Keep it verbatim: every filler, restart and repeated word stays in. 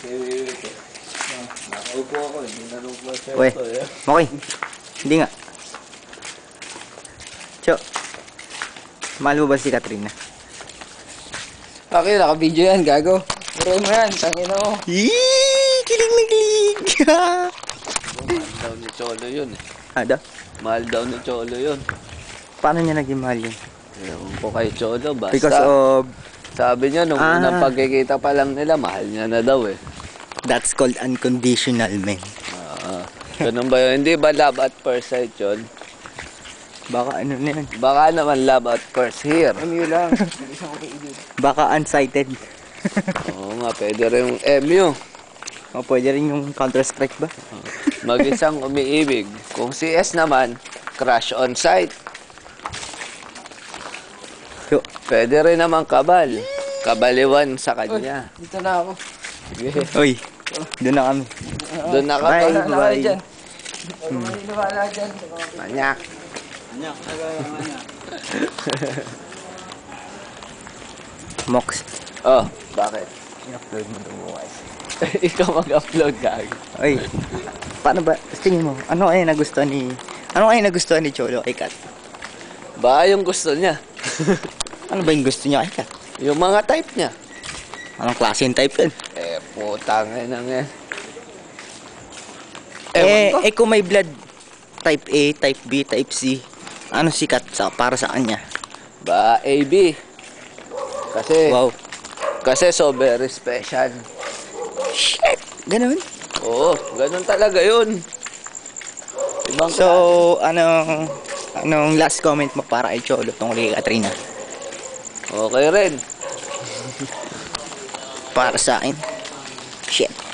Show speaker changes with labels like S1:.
S1: Nakaupo ako, hindi na nung konsepto.
S2: Uy, okay. Hindi nga. Cho, mahal mo ba si Katrina?
S3: Okay, naka-video yan, gago. Puro mo yan, tangin mo.
S2: Yee! Kilig na kilig!
S1: Mahal daw ni Cholo yun eh.
S2: Ada?
S1: Mahal daw ni Cholo yun.
S2: Paano niya naging mahal yun?
S1: Ewan ko kay Cholo, basta.
S2: Because of...
S1: Sabi niya, nung
S2: Ah.
S1: unang pagkikita pa lang nila, mahal niya na daw eh.
S2: That's called unconditional, man.
S1: Ah, ganun ba yun? Hindi ba love at first sight yun?
S2: Baka ano na yun?
S1: Baka naman love at first here.
S3: M U lang. Isang ko kailid.
S2: Baka unsighted.
S1: Oo nga, pwede rin yung M U.
S2: O pwede rin yung Counter-Strike ba?
S1: Mag-isang umiibig. Kung C S naman, crush on sight.
S2: So,
S1: Pwede rin naman kabal. Kabaliwan sa
S3: Uy,
S1: kanya.
S3: dito na ako.
S1: Sige.
S2: uy, doon na kami.
S1: Doon na ka
S2: Bye.
S1: pa.
S3: Wala na kayo
S2: bye.
S3: dyan. Huwag mo niniwala dyan.
S1: Manyak.
S2: Mox.
S1: Oh, bakit?
S2: I-upload mo ito bukas.
S1: Ikaw mag-upload ka.
S2: Uy, paano ba? Tingin mo, ano kaya nagustuhan ni... Ano kaya nagustuhan ni Cholo kay Kat?
S1: Baka yung gusto niya.
S2: Ano ba yung gusto niya kay Kat?
S1: Yung mga type niya.
S2: Anong klase yung type yun?
S1: Eh, putang ina nga.
S2: Eh,
S1: Ewan ko.
S2: eh kung may blood type A, type B, type C, ano sikat sa para sa kanya?
S1: Ba, A B. Kasi,
S2: Wow.
S1: kasi so very special.
S2: Shit! Ganun?
S1: Oo, ganun talaga yun. Ibang
S2: So, anong anong last comment mo para kay Cholo tungkol kay Katrina?
S1: okay rin.
S2: Para sa akin? Shit.